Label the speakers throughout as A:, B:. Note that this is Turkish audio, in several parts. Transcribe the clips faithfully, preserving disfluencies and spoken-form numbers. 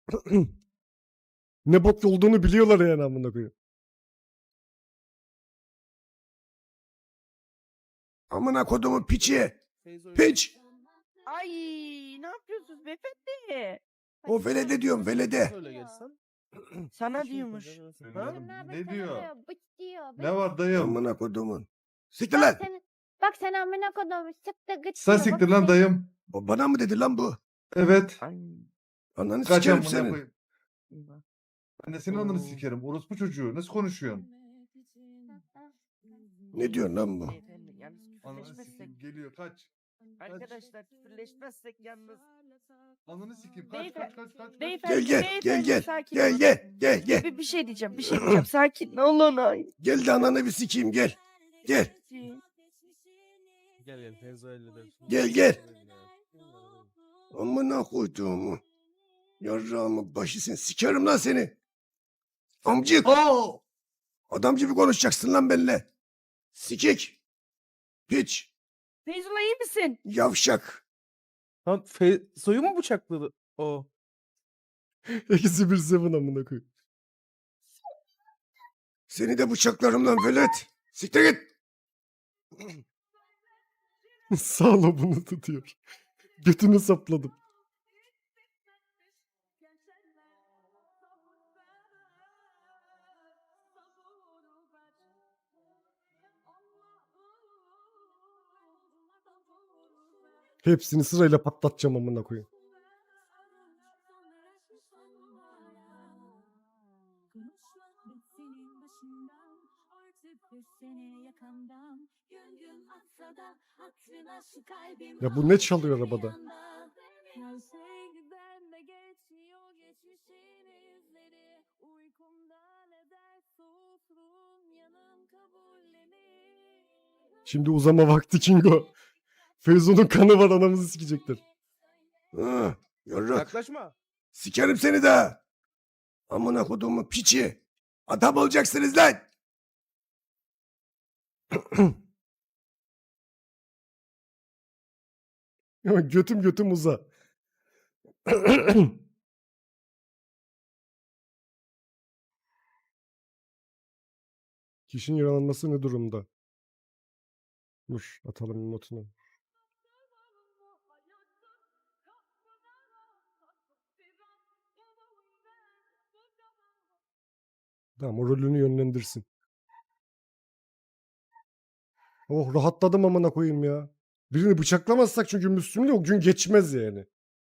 A: Ne bok olduğunu biliyorlar yani amına koyayım. Amına kodumun piçi. Piç.
B: Ay ne yapıyorsunuz beyefendi?
A: O velede diyorum velede.
C: Öyle gelsen.
B: Sana
C: şey
B: diyormuş.
C: yapacaksın,
D: Ha?
C: anladın mı?
D: Ne diyor?
E: Bıç diyor. Bıç.
D: Ne var dayım?
A: Amına kodumun. Siktir
E: Bak
A: lan.
E: sen, bak sen amına koyduğum sıktı gıç
D: Sen
E: diyor,
D: siktir
E: bak
D: lan
E: sen-
D: dayım.
A: O bana mı dedi lan bu?
D: Evet.
B: Ay.
A: Ananı
D: Kaç
A: sikerim
D: amına
A: senin.
D: koyayım. Ben de senin ananı sikerim. Orospu çocuğu. Nasıl konuşuyorsun?
A: Ne diyorsun lan bu?
B: Beyefendi yalnız
D: Ananı
B: küfürleşmezsek.
D: sikeyim geliyor kaç.
B: Arkadaşlar küfürleşmezsek yalnız.
D: Ananı sikeyim kaç
B: Beyefendi-
D: kaç kaç kaç.
B: Beyefendi,
A: Gel gel gel
B: beyefendi,
A: gel.
B: sakin
A: Gel
B: olun.
A: gel gel gel.
B: Bir, bir şey diyeceğim, bir şey diyeceğim. Sakin olun ay.
A: Gel de ananı bir sikeyim gel. Gel.
C: Gel gel Feyzo halledersin.
A: Gel, gel. Amına koyduğumu. Yarrağımı başı sen sikerim lan seni. Amcık.
D: Oo!
A: Adam gibi konuşacaksın lan benimle. Sikik. Piç.
B: Feyzullah iyi misin?
A: Yavşak.
C: Lan Feyzo'yu mu bıçakladı o?
A: Eksi bir seven amına koy. Seni de bıçaklarım lan velet. Siktir git. Sağla bunu tutuyor. Götünü sapladım. Hepsini sırayla patlatacağım amına koyayım. Ya bu ne çalıyor arabada? Şimdi uzama vakti Kingo. Feyzo'nun kanı var, anamızı sikecekler. Ha, yarrak.
C: Yaklaşma.
A: Sikerim seni de. Amına koduğumun piçi. Adam olacaksınız lan. Götüm götüm uza. Kişinin yaralanması ne durumda? Dur atalım notunu. Tamam, o rolünü yönlendirsin. Oh, rahatladım amına koyayım ya. Birini bıçaklamazsak çünkü Müslüm'le o gün geçmez yani.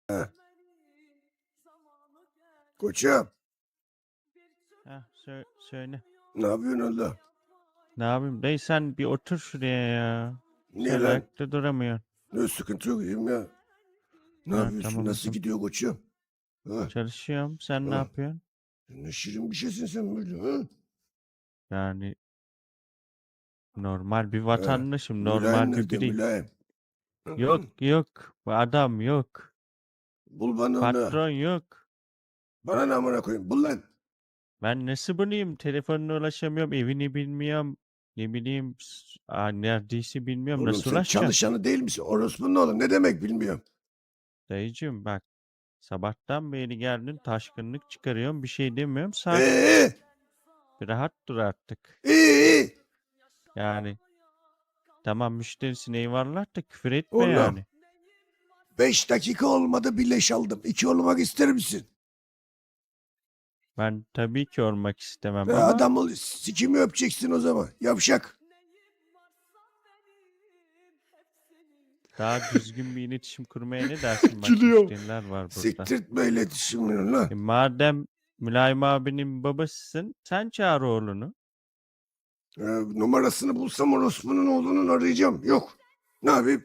A: Koçum.
F: Heh, sö- söyle.
A: Ne yapıyorsun oğlum?
F: Ne yapayım? Dayı sen bir otur şuraya ya.
A: Niye
F: Sen
A: lan?
F: ayakta duramıyorsun.
A: Ne sıkıntı yok iyiyim ya. Ne
F: Ha,
A: yapıyorsun?
F: tamam,
A: Nasıl
F: tamam.
A: gidiyor koçum? Ha?
F: Çalışıyorum. Sen ne
A: Ha.
F: yapıyorsun?
A: Ne şirin bir şeysin sen böyle ha?
F: Yani normal bir vatandaşım.
A: Mülayim
F: Normal bir
A: nerede
F: bireyim.
A: mülayim?
F: Yok yok. Bu adam yok.
A: Bul bana onu.
F: Patron yok.
A: Bana ne amına koyayım? Bul lan.
F: Ben nasıl bulayım? Telefonuna ulaşamıyorum. Evini bilmiyorum. Ne bileyim. s- Aa, neredeyse bilmiyorum.
A: Oğlum
F: Nasıl
A: sen
F: ulaşacağım?
A: çalışanı değil misin? Orospu'nun oğlum ne demek bilmiyorum.
F: Dayıcığım bak. Sabahtan beri geldin taşkınlık çıkarıyorum. Bir şey demiyorum. Sakin.
A: Ee,
F: Bir rahat dur artık.
A: iyi iyi.
F: Yani tamam müşterisin eyvallah da küfür etme
A: Oğlum.
F: yani.
A: Beş dakika olmadı bir leş aldım. İki olmak ister misin?
F: Ben tabii ki olmak istemem
A: Ve
F: ama
A: adam ol, sikimi öpeceksin o zaman. Yavşak.
F: daha düzgün bir iletişim kurmaya ne dersin? Bak
A: Gülüyor.
F: müşteriler var burada.
A: Siktirtme iletişimini lan.
F: E, madem Mülayim abinin babasısın sen çağır oğlunu.
A: Ee, numarasını bulsam orospunun oğlunun arayacağım. Yok. Ne yapayım?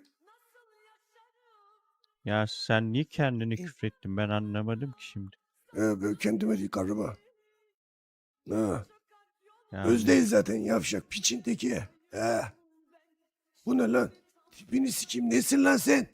F: Ya sen niye kendini küfrettin ben anlamadım ki şimdi.
A: Ee, ben kendime değil karıma. Ha.
F: Yani,
A: Öz değil zaten yavşak. Piçin teki. Ha. Bu ne lan? Tipini sikeyim. Nesin lan sen?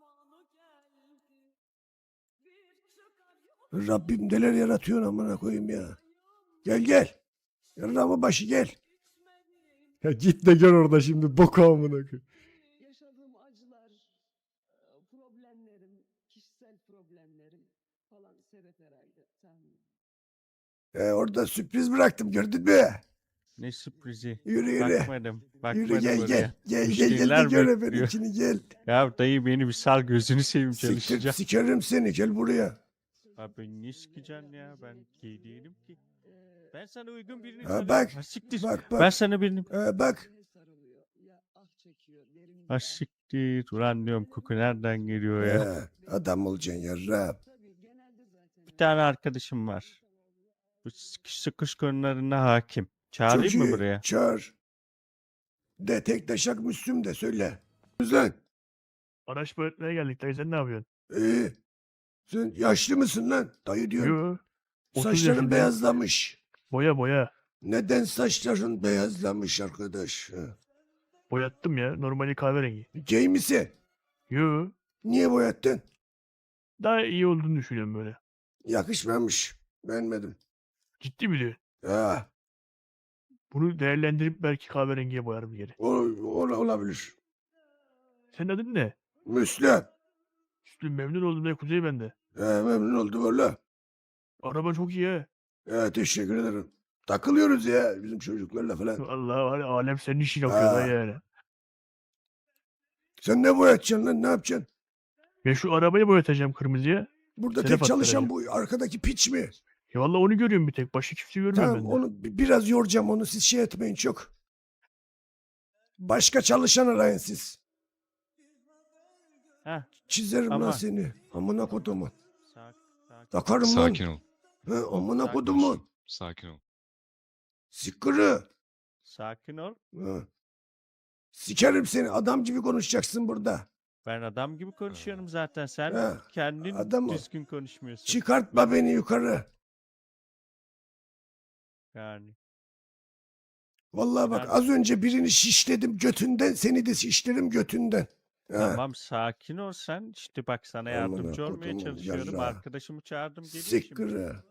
A: Rabbim neler yaratıyor amına koyayım ya. Gel gel. Yarrağımın başı gel. Ya git de gör orada şimdi boku amına koyayım.
G: Yaşadığım acılar, e, problemlerim, kişisel problemlerim falan
A: E, orada sürpriz bıraktım gördün mü?
F: Ne sürprizi.
A: Yürü yürü.
F: Bakmadım.
A: Yürü
F: Bakmadım
A: gel
F: oraya.
A: gel. Gel gel gel
F: Müşteriler
A: de gör
F: bekliyor.
A: benimkini gel.
F: Ya dayı beni bir sal, gözünü seveyim,
A: Siktir
F: çalışacağım.
A: sikerim seni gel buraya.
F: Abi ne sikeceksin ya, ben gay değilim ki. Ben sana uygun birini
A: Ha,
F: tanıyorum.
A: bak,
F: Ha siktir.
A: Bak
F: Ben
A: bak.
F: sana birini...
A: E, bak.
F: Ha siktir. Ulan diyorum, koku nereden geliyor ya.
A: E, adam olacaksın yarrab.
F: Bir tane arkadaşım var. Bu sıkış sıkış konularına hakim. Çağırayım
A: Çok
F: mı
A: iyi,
F: buraya?
A: çağır. De tek taşak Müslüm de söyle. Lan.
G: Araç boyatmaya geldik dayı sen ne yapıyorsun?
A: Ee, sen yaşlı mısın lan? Dayı diyorsun.
G: Yo. otuz
A: Saçların
G: yaşındayım.
A: beyazlamış.
G: Boya boya.
A: Neden saçların beyazlamış arkadaş? Ha?
G: Boyattım ya. Normali kahverengi.
A: Gay misin?
G: Yo.
A: Niye boyattın?
G: Daha iyi olduğunu düşünüyorum böyle.
A: Yakışmamış. Beğenmedim.
G: Ciddi mi diyorsun?
A: Ha,
G: Bunu değerlendirip belki kahverengiye boyarım geri.
A: o, o- olabilir.
G: Senin adın ne?
A: Müslüm.
G: Üstün memnun oldum da Kuzey bende.
A: He, memnun oldum valla.
G: Araba çok iyi ha.
A: He, teşekkür ederim. Takılıyoruz ya bizim çocuklarla falan.
G: Allah var ya, alem senin işin yapıyor
A: Ha.
G: dayı yani.
A: Sen ne boyatacaksın lan? Ne yapacaksın?
G: Ben şu arabayı boyatacağım kırmızıya.
A: Burada
G: Sedef
A: tek çalışan
G: attıracağım.
A: bu arkadaki piç mi?
G: Ya valla onu görüyorum bir tek. Başı kimse görmüyorum
A: Tamam
G: ben de.
A: onu bi- biraz yoracağım onu siz şey etmeyin çok. Başka çalışan arayın siz.
F: Heh.
A: Çizerim lan
F: Ama-
A: seni. Amına kodumun.
F: Sak, sak.
A: Takarım lan.
H: Sakin ol.
A: He, amına
F: Sakin
A: kodumun.
H: Sakin ol.
A: Sikırı.
F: Sakin ol.
A: He. Sikerim seni. Adam gibi konuşacaksın burada.
F: Ben adam gibi konuşuyorum zaten. Sen
A: Ha,
F: kendin
A: adam ol.
F: düzgün konuşmuyorsun.
A: Çıkartma beni yukarı.
F: Yani.
A: Vallahi bak
F: Ben-
A: az önce birini şişledim götünden. Seni de şişlerim götünden. He.
F: Tamam, sakin ol sen. İşte bak, sana
A: Amına
F: yardımcı olmaya
A: kodumun
F: çalışıyorum.
A: yarrağı.
F: Arkadaşımı çağırdım, geliyor şimdi.
A: Sikırı.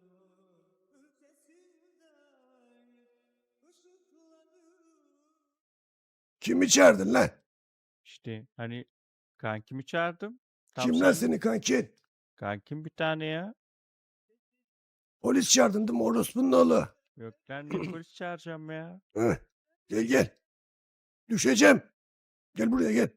A: Kimi çağırdın lan?
F: İşte hani kankimi çağırdım. Tam
A: Kimler
F: sen-
A: seni kankin?
F: Kankim bir tane ya.
A: Polis çağırdın değil mi orospunun oğlu?
F: Yok lan, ne polis çağıracağım ya.
A: Heh. Gel gel. Düşeceğim. Gel buraya gel.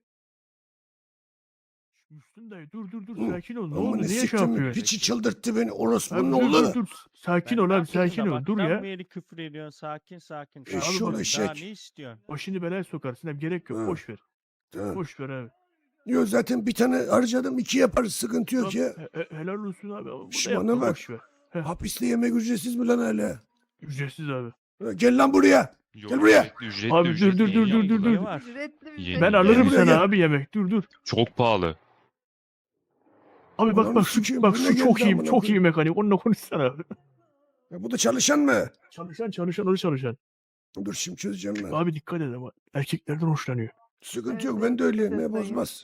G: Müslüm dayı dur dur dur
A: Hı.
G: sakin ol. Ne
A: Amına
G: oldu? Niye şey
A: siktim,
G: yapıyorsun?
A: piçi çıldırttı beni
G: Abi
A: orospunun
G: dur
A: oğlu.
G: dur dur. Sakin
F: Ben
G: ol
F: ne
G: abi
F: yapayım,
G: sakin ol. Dur
F: sabahtan
G: ya.
F: beri küfür ediyorsun. Sakin sakin.
A: Eşşoğlu
F: Sakin ol. Daha
A: eşek.
F: ne istiyorsun?
G: Başını belaya sokarsın. Abi gerek yok.
A: Ha.
G: Boş ver.
A: Tamam.
G: Boş ver abi.
A: Yok zaten bir tane harcadım iki yaparız sıkıntı yok
G: Tamam,
A: ya.
G: he- he- helal olsun abi. Ama
A: Şş,
G: burada
A: bana
G: yapma,
A: bak.
G: boş ver.
A: Hapiste yemek ücretsiz mi lan hala?
G: Ücretsiz abi.
A: Ha, Gel lan buraya.
H: Yok,
A: Gel buraya.
H: Ücretli, ücretli,
G: Abi dur,
H: ücretli.
G: dur, dur,
H: Yeni
G: dur, dur,
H: aldılar.
G: dur.
F: Ne var?
H: Yeni-
G: Ben
H: Gel
G: alırım
A: buraya
G: sana
A: gel.
G: abi yemek. Dur dur.
H: Çok pahalı.
G: Abi bak
A: Ananı
G: bak şu,
A: sikeyim,
G: bak
A: bu ne
G: şu çok
A: geldi
G: iyi
A: amına
G: çok iyi
A: koyayım?
G: mekanik. Onunla konuşsana abi.
A: Ya bu da çalışan mı?
G: Çalışan çalışan onu çalışan.
A: Dur şimdi çözeceğim ben.
G: Abi dikkat et ama. Erkeklerden hoşlanıyor.
A: Sıkıntı yok ben de öyleyim ya bozmaz.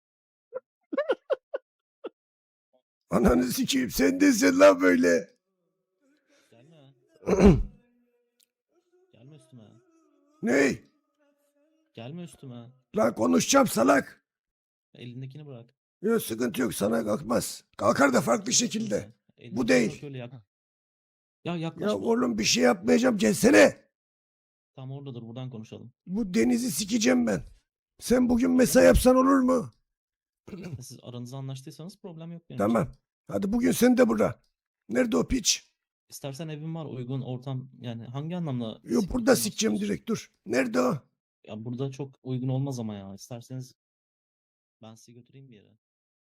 A: Ananı sikeyim sen desin lan böyle.
I: Gelme. Gelme üstüme.
A: Ney?
I: Gelme üstüme.
A: Lan konuşacağım salak.
I: Elindekini bırak.
A: Yok sıkıntı yok sana kalkmaz. Kalkar da farklı şekilde.
I: Neyse, elindekini
A: Bu değil.
I: bırak öyle yak. Ya
A: Ya
I: yaklaşma.
A: oğlum bir şey yapmayacağım gelsene.
I: Tam oradadır buradan konuşalım.
A: Bu denizi sikeceğim ben. Sen bugün mesai yapsan olur mu?
I: Siz aranızda anlaştıysanız problem yok benim için.
A: Tamam. Hadi bugün sen de burada. Nerede o piç?
I: İstersen evim var uygun ortam yani hangi anlamda?
A: Yok
I: sikmek
A: burada sikeceğim
I: istiyorsun?
A: direkt dur. Nerede o?
I: Ya burada çok uygun olmaz ama ya. İsterseniz ben sizi götüreyim bir yere.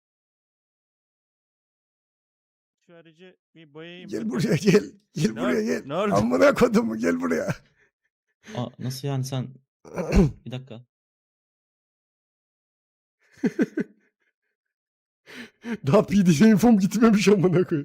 F: Şu aracı bir boyayayım.
A: Gel
F: bakalım.
A: buraya gel. Gel
F: Ne
A: buraya
F: oldu?
A: gel.
F: Ne oldu?
A: Amına kodumu gel buraya.
I: Aa nasıl yani sen? Bir dakika.
A: Daha P D F infom gitmemiş amına koy.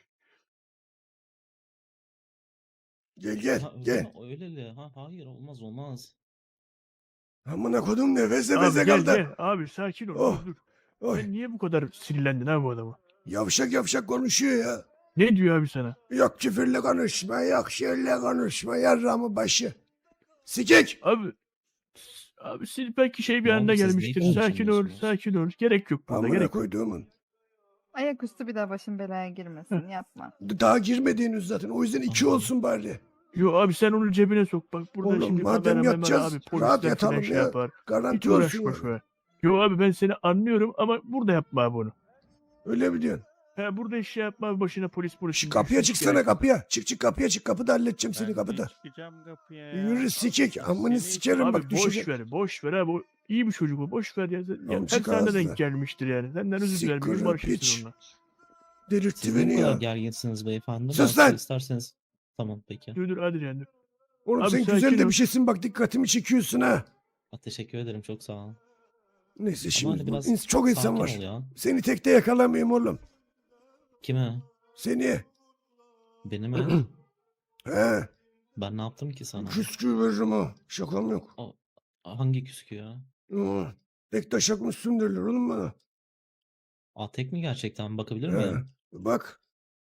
A: Gel gel
I: Ha, öyle
A: gel.
I: mi? Öyle ha hayır olmaz olmaz.
A: Amına kodum nefes
G: Abi
A: nefese
G: gel
A: kaldı.
G: gel. Abi sakin ol.
A: Oh.
G: Dur dur.
A: Oy.
G: Sen niye bu kadar sinirlendin abi bu adama?
A: Yavşak yavşak konuşuyor ya.
G: Ne diyor abi sana?
A: Yok küfürle konuşma, yok şöyle konuşma, yarramı başı. Sikik!
G: Abi abi siz belki şey bir
I: Ne
G: anda
I: oldu, siz neyi
G: gelmiştir. Sakin ol,
I: konuşamıyorsunuz?
G: sakin ol. Gerek yok burada,
A: Amına
G: gerek yok.
A: koyduğumun.
H: Ayaküstü bir daha başın belaya girmesin. Yapma.
A: Daha girmedi henüz zaten. O yüzden iki
I: Tamam.
A: olsun bari.
G: Yo abi sen onu cebine sok. Bak burada
A: Oğlum
G: şimdi
A: madem
G: kameraman var
A: yatacağız,
G: abi.
A: rahat
G: Polisler
A: yatalım
G: falan şey
A: ya.
G: yapar. Hiç
A: Garanti olsun
G: uğraşma
A: yani.
G: şöyle. Yo abi ben seni anlıyorum ama burada yapma abi bunu.
A: Öyle mi diyorsun?
G: He burada iş şey yapma abi, başına polis polis.
A: Şu
G: şimdi
A: kapıya
G: hiç
A: çıksana
G: gerek yok.
A: kapıya. Çık çık kapıya çık. Kapıda halledeceğim seni
F: Ben de
A: kapıda.
F: çıkacağım kapıya ya.
A: Yürü sikik. Amını
F: Seni-
A: sikerim
G: Abi
A: bak
G: boş
A: düşecek.
G: ver boş ver abi. O iyi bir çocuk o. Boş ver ya. ya
A: Amcık
G: her sana
A: ağızlı.
G: denk gelmiştir yani. Senden özür dilerim. Bir
A: Siktir
G: gün barışırsın
A: piç.
G: onunla.
A: Delirtti
I: Siz niye
A: beni
I: bu kadar
A: ya.
I: gerginsiniz beyefendi?
A: Sus
I: Ben
A: lan!
I: size isterseniz. Tamam peki.
G: Dur dur hadi canım.
A: Oğlum
G: Abi
A: sen
G: sakin
A: güzel de
G: ol.
A: bir şeysin bak dikkatimi çekiyorsun ha.
I: Ha, teşekkür ederim çok sağ olun.
A: Neyse
I: Ama
A: şimdi
I: hani
A: bu-
I: biraz
A: ins- çok insan
I: sakin
A: var.
I: ol ya.
A: Seni tekte yakalamayayım oğlum.
I: Kime?
A: Seni.
I: Beni mi?
A: He.
I: Ben ne yaptım ki sana?
A: Küskü veririm ha. Şakam yok.
I: Hangi küskü ya?
A: Hı. Tek taşak mısın derler oğlum bana.
I: Aa tek mi gerçekten? Bakabilir
A: He.
I: miyim?
A: Bak.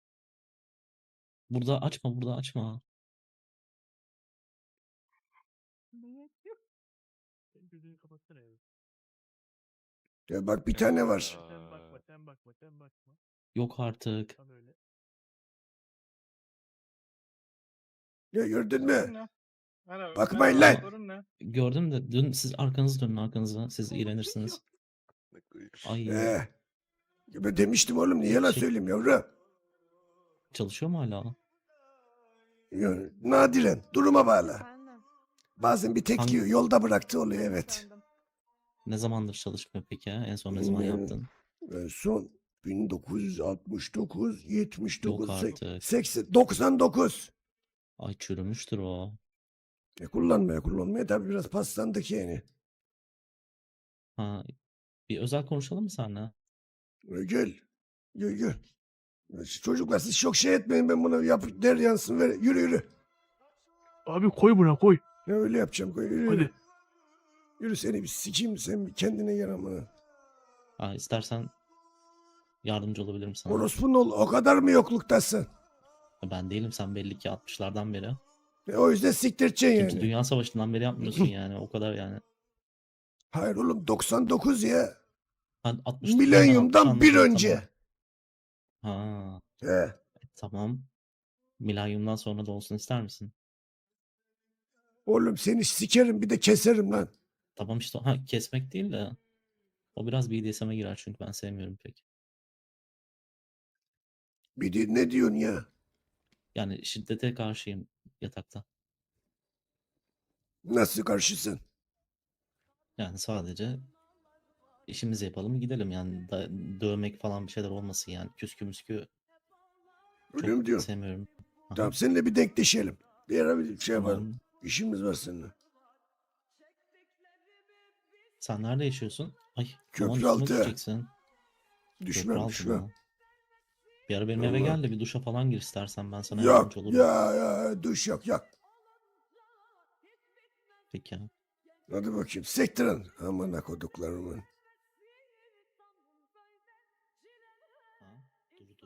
I: Burada açma, burada açma.
G: Sen gözünü kapatsana ya.
A: Ya bak bir tane var.
G: Sen bakma sen bakma sen bakma.
I: Yok artık.
G: Tam öyle.
A: Ya gördün mü? Bakmayın lan.
I: Gördüm de dün siz arkanızı dönün arkanıza. Siz iğrenirsiniz. Ay
A: He. Ya ben demiştim oğlum niye yalan
I: Şey-
A: söyleyeyim yavrum.
I: çalışıyor mu hala?
A: Ya, nadiren duruma bağlı.
E: Efendim.
A: Bazen bir tek
I: Hangi-
A: yiyor. Yolda bıraktı oluyor evet.
E: Efendim.
I: Ne zamandır çalışmıyor peki ya? En son ne zaman
A: Bilmiyorum.
I: yaptın?
A: En son bin dokuz yüz altmış dokuz, yetmiş dokuz,
I: Yok
A: sek-
I: artık.
A: seksen, doksan dokuz.
I: Ay çürümüştür o.
A: E kullanmaya kullanmaya tabii biraz paslandık yani.
I: Ha, bir özel konuşalım mı seninle?
A: E, gel. Gel gel. Ya şu Çocuklar siz çok şey etmeyin ben buna yap der yansın ver. Yürü yürü.
G: Abi koy buna koy.
A: Ne öyle yapacağım koy yürü. Yürü,
G: Hadi.
A: yürü seni bir sikeyim sen bir kendine gel amına.
I: Ha, istersen yardımcı olabilirim sana.
A: Orospunun ol o kadar mı yokluktasın?
I: Ben değilim sen belli ki altmışlardan beri.
A: E, o yüzden siktireceksin
I: İkinci
A: yani.
I: Dünya Savaşı'ndan beri yapmıyorsun yani o kadar yani.
A: Hayır oğlum doksan dokuz ya.
I: Ha, altmış
A: Milenyumdan bir
I: anladım,
A: önce.
I: tamam. Ha,
A: He.
I: tamam. Milenyumdan sonra da olsun ister misin?
A: Oğlum seni sikerim bir de keserim lan.
I: Tamam işte ha, kesmek değil de o biraz B D S M'e girer çünkü ben sevmiyorum pek.
A: Bir de ne diyorsun ya?
I: Yani şiddete karşıyım yatakta.
A: Nasıl karşısın?
I: Yani sadece işimizi yapalım gidelim yani da, dövmek falan bir şeyler olmasın yani küskü müskü
A: Öyle
I: çok
A: mi diyorsun?
I: sevmiyorum. Aha,
A: Tamam seninle bir denkleşelim. Bir ara bir şey yapalım.
I: tamam.
A: İşimiz var seninle.
I: Sen nerede yaşıyorsun? Ay
A: Köprü
I: aman üstüme
A: altı.
I: düşeceksin. Köprü
A: Düşmem
I: altı
A: düşmem.
I: mı? Bir ara benim eve
A: Vallahi.
I: gel de bir duşa falan gir istersen ben sana
A: Yok
I: yardımcı olurum.
A: ya ya duş yok yok.
I: Peki ya.
A: Hadi bakayım sektirin. Aman akoduklarımın.
I: Ha, dur dur.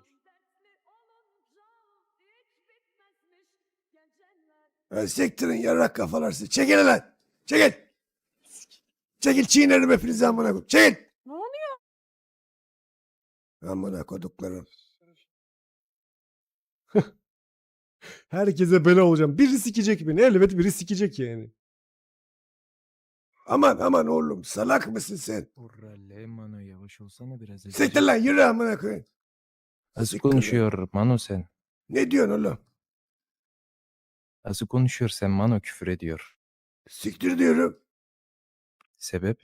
A: Ha, sektirin yarrak kafalar sizi. Çekil lan. Çekil. Çekil çiğnerim hepinizi amına koyayım. Çekil.
B: Ne oluyor?
A: Amına koduklarım. Herkese bela olacağım. Biri sikecek beni. Elbet biri sikecek yani. Aman aman oğlum salak mısın sen?
J: Urralle Mano yavaş olsana biraz.
A: Siktir lan yürü amına koyayım.
J: Nasıl
A: Siktir lan.
J: konuşuyor Mano sen?
A: Ne diyorsun oğlum?
J: Nasıl konuşuyor sen Mano küfür ediyor.
A: Siktir diyorum.
J: Sebep?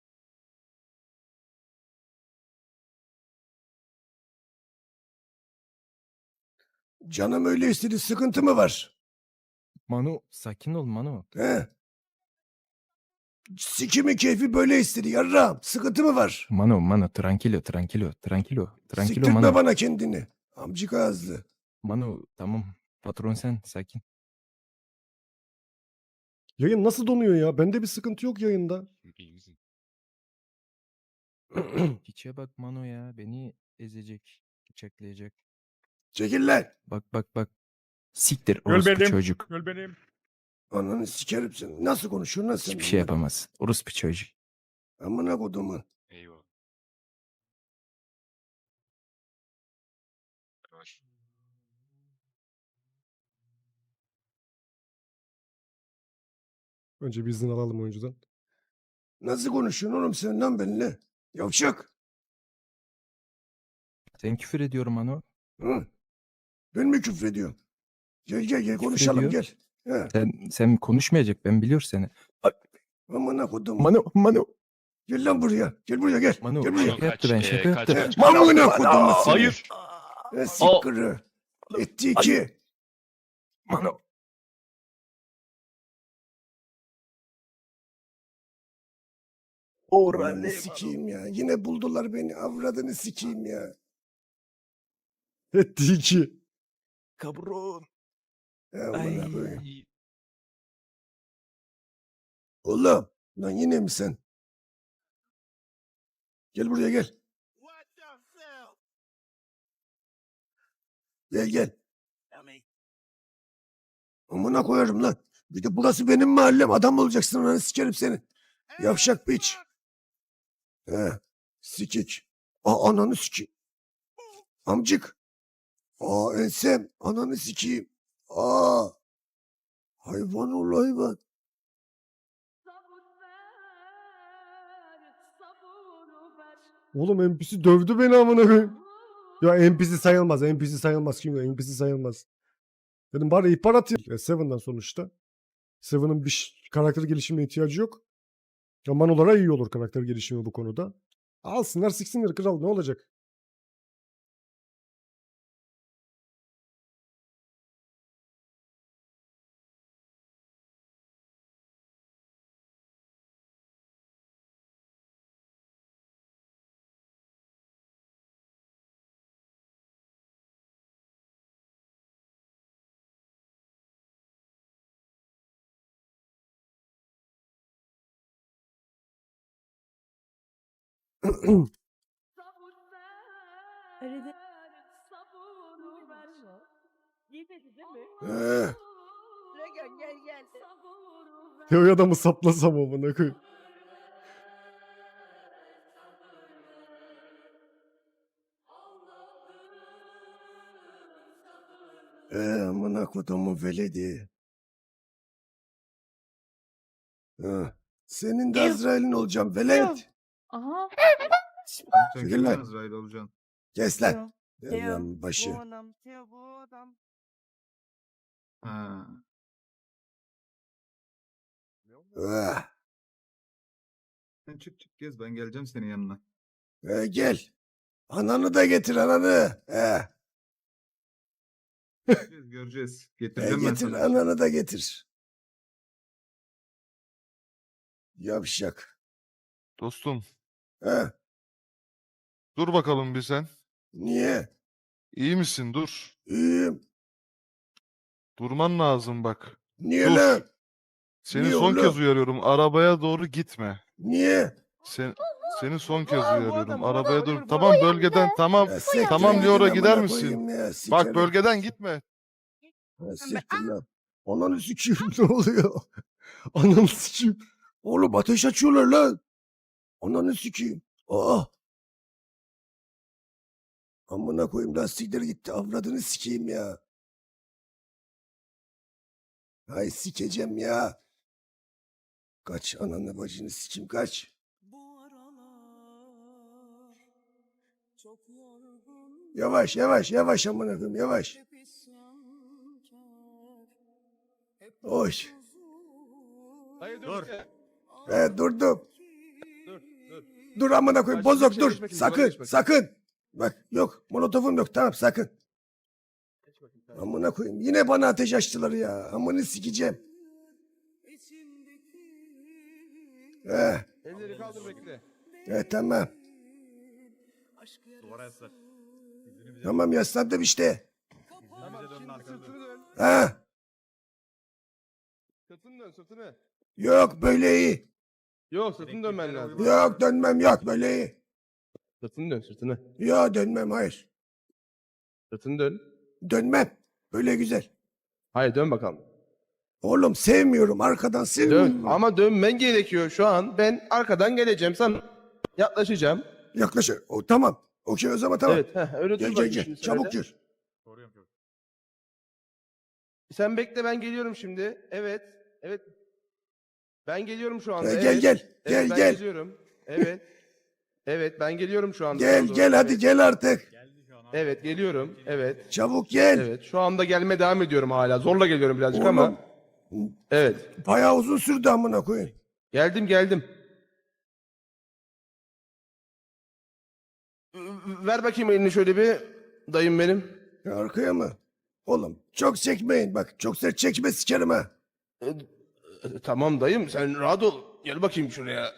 A: Canım öyle istedi sıkıntı mı var?
J: Mano sakin ol Mano.
A: He? Sikimin keyfi böyle istedi yarrağım. Sıkıntı mı var?
J: Mano Mano tranquilo tranquilo tranquilo. Tranquilo
A: Siktirtme
J: Mano.
A: bana kendini. Amcık ağızlı.
J: Mano tamam. Patron sen sakin.
A: Yayın nasıl donuyor ya? Bende bir sıkıntı yok yayında.
J: Hiçe bak Mano ya beni ezecek. Bıçaklayacak.
A: Çekil lan.
J: Bak bak bak. Siktir
G: Göl
J: orospu
G: benim.
J: çocuk.
G: Göl benim.
A: Ananı sikerim seni. Nasıl konuşuyorsun lan sen?
J: Hiçbir şey
A: bunları?
J: yapamaz. Orospu çocuk.
A: Amına kodumun. Önce bir izin alalım oyuncudan. Nasıl konuşuyorsun oğlum sen lan benimle? Yavşak.
J: Sen küfür ediyorum Mano.
A: Hı? Ben mi küfrediyorum? Gel gel gel konuşalım
J: ediyor.
A: gel. He.
J: Sen sen konuşmayacak ben biliyor seni.
A: Amına kodum.
J: Mano Mano
A: Gel lan buraya. Gel buraya gel.
J: Mano
A: Gel buraya.
J: şaka yaptı ben şaka yaptı.
A: Amına kodum.
K: Hayır.
A: Ne sikkırı. Etti iki.
J: Mano.
A: Oranı sikeyim ya. Yine buldular beni. Avradını sikeyim ya. Etti iki.
J: Kabron.
A: Amına koyayım. Oğlum. Lan yine mi sen? Gel buraya gel. Gel gel. Amına koyarım lan. Bir de burası benim mahallem. Adam olacaksın lan sikerim seni. Yavşak piç. He. Sikik. Aa ananı sikeyim. Amcık. Aa ensem. Ananı sikeyim. Aa. Hayvan ol hayvan. Oğlum N P C dövdü beni amına koyayım. Ya N P C sayılmaz. N P C sayılmaz. Kim N P C sayılmaz. Dedim bari ihbar atayım. Ya Seven'dan sonuçta. Seven'ın bir ş- karakter gelişimine ihtiyacı yok. Ya Manolara iyi olur karakter gelişimi bu konuda. Alsınlar siksinler kral ne olacak? Ee,
B: Dragon gel gel.
A: Teo'ya da mı saplasam amına koyayım? Ee, amına kodumun veledi. Ha, senin de Azrail'in olacağım velet.
E: Aha.
D: Sen
A: Çekil
D: kimden
A: lan.
D: Azrail olacaksın?
A: Kes lan.
B: Teo,
A: Devran
B: Bu
A: başı.
B: adam, Teo bu adam.
D: Ha.
A: Ah,
D: Sen çık çık gez ben geleceğim senin yanına.
A: ee, gel. Ananı da getir ananı. Ee,
D: Göreceğiz göreceğiz.
A: ee,
D: Getireceğim ben
A: getir
D: sana.
A: ananı da getir. Yavşak.
K: Dostum
A: Ha,
K: dur bakalım bir sen.
A: niye?
K: İyi misin? Dur.
A: İyiyim.
K: Durman lazım bak.
A: Niye
K: Dur.
A: lan?
K: Seni
A: Niye
K: son
A: oğlum?
K: kez uyarıyorum. Arabaya doğru gitme.
A: Niye?
K: Sen, seni son kez
B: Aa, bu
K: uyarıyorum.
B: adam, bu
K: Arabaya
B: adam,
K: doğru.
B: bu
K: Tamam
E: adam.
K: bölgeden tamam.
A: Ya siktir
K: Tamam
A: git
K: Leora
A: amına
K: gider misin?
A: koyayım ya,
K: Bak
A: sikerim.
K: bölgeden gitme.
A: Ha, siktir lan. Ananı sikeyim ne oluyor? Ananı sikeyim. Oğlum ateş açıyorlar lan. Ananı sikeyim. Aa. Amına koyayım lastikler gitti. Avradını sikeyim ya. Hay sikeceğim ya. Kaç ananı bacını sikeyim kaç. Yavaş yavaş yavaş amına koyayım yavaş. Hoş.
C: Hayır dur.
A: Evet durdum.
C: Dur dur.
A: Dur amına koyayım
C: Başka
A: bozok
C: bir şey
A: dur.
C: geç bakayım,
A: Sakın
C: geç bakayım.
A: sakın. Bak yok molotofum yok tamam sakın.
C: Geç bakayım, tamam.
A: Amına koyayım yine bana ateş açtılar ya. Amını sikeceğim. Eh,
C: Elleri kaldır bekle.
A: eh tamam.
C: Duvara yaslan.
A: Tamam yaslandım işte.
C: Tamam şimdi sırtını dön.
A: Ha?
C: Sırtını dön sırtını.
A: Yok böyle iyi.
C: Yok sırtını dönmen lazım.
A: Yok dönmem yok böyle iyi.
C: Sırtını dön sırtını.
A: Yok dönmem hayır.
C: Sırtını dön.
A: Dönmem. Böyle güzel.
C: Hayır dön bakalım.
A: Oğlum sevmiyorum arkadan
C: Dön.
A: sevmiyorum.
C: Ama dönmen gerekiyor şu an. Ben arkadan geleceğim sana. Yaklaşacağım.
A: Yaklaş. O, tamam. Okey o zaman tamam.
C: Evet. Heh, öyle dur
A: Gel gel
C: bakayım
A: gel.
C: şimdi sen
A: Çabuk
C: öyle.
A: gir.
C: Sen bekle, ben geliyorum şimdi. Evet. Evet. Ben geliyorum şu anda.
A: Gel,
C: evet.
A: gel,
C: Evet,
A: gel,
C: ben
A: gel.
C: geliyorum. Evet. Evet, ben geliyorum şu anda.
A: Gel
C: Sana
A: gel
C: doğru.
A: hadi
C: Evet.
A: gel artık.
C: Evet, geliyorum. Evet.
A: Çabuk gel.
C: Evet. Şu anda gelme devam ediyorum hala. Zorla geliyorum birazcık
A: Oğlum.
C: ama. Evet.
A: Bayağı uzun sürdü amına koyayım.
C: Geldim, geldim. Ver bakayım elini şöyle bir. Dayım benim.
A: Ya arkaya mı? Oğlum çok çekmeyin bak. Çok sert çekme sikerim ha.
C: E, e, Tamam dayım, sen rahat ol. Gel bakayım şuraya.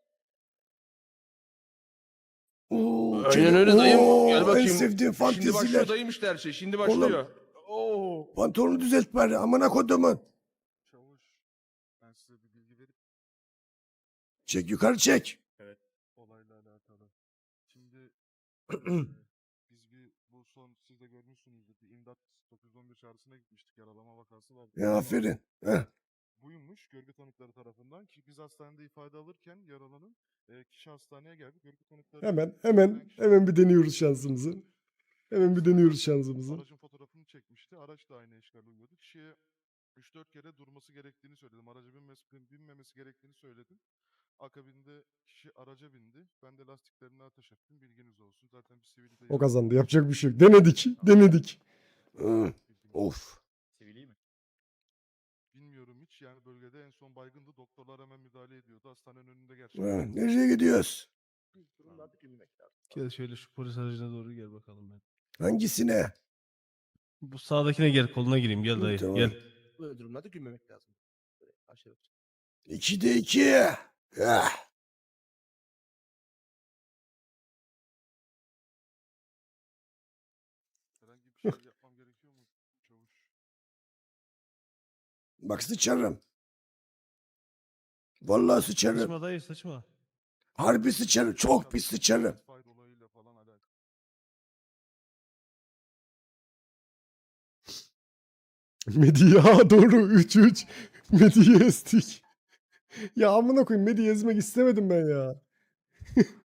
A: Oo,
C: Aynen
A: çene-
C: öyle dayım.
A: Oo,
C: Gel bakayım.
A: En sevdiğim
C: Şimdi başlıyor
A: fanteziler.
C: dayım işte her şey. Şimdi başlıyor. Oo.
A: Pantolonu düzelt bari amına kodumun.
K: Çavuş, ben size bir bilgi verip
A: Çek yukarı çek.
K: olayla alakalı. Şimdi eee, biz bir bu son siz de görmüşsünüzdür. Bir imdat dokuz on bir çağrısına gitmiştik. Yaralama vakası vardı.
A: Ya aferin. Heh.
K: Buymuş görgü tanıkları tarafından ki biz hastanede ifade alırken yaralının eee, kişi hastaneye geldi. Görgü tanıkları
A: Hemen hemen hemen bir deniyoruz şansımızı. Hemen bir deniyoruz şansımızı.
K: Aracın fotoğrafını çekmişti. Araç da aynı eşkal uyuyordu. Kişiye üç dört kere durması gerektiğini söyledim. Araca binmesi, binmemesi gerektiğini söyledim. Akabinde kişi araca bindi. Ben de lastiklerine ateş ettim. Bilginiz olsun. Zaten bir sivil de
A: O kazandı. Yapacak bir şey yok. Denedik. Denedik. Hı. Of.
K: Bilmiyorum hiç. Yani bölgede en son baygındı. Doktorlar hemen müdahale ediyordu. Hastanenin önünde
A: Ha,
K: gerçekten.
A: nereye gidiyoruz?
J: Gel şöyle şu polis aracına doğru gel bakalım ben.
A: Hangisine?
J: Bu sağdakine gel, koluna gireyim. Gel
A: Hı,
J: dayı,
A: tamam.
J: gel.
C: Böyle durumlarda gülmemek lazım. Böyle aşağı bak.
A: İkide iki. Ah.
K: Herhangi bir şey yapmam gerekiyor mu çavuş?
A: Bak sıçarım. Vallahi sıçarım.
J: Sıçma dayı, sıçma.
A: Harbi sıçarım. Çok pis sıçarım.
K: Fayda olayıyla falan alakalı.
A: Medi ya doğru üç üç. Medi'yi ezdik. Ya amına koyayım Medi'yi ezmek istemedim ben ya.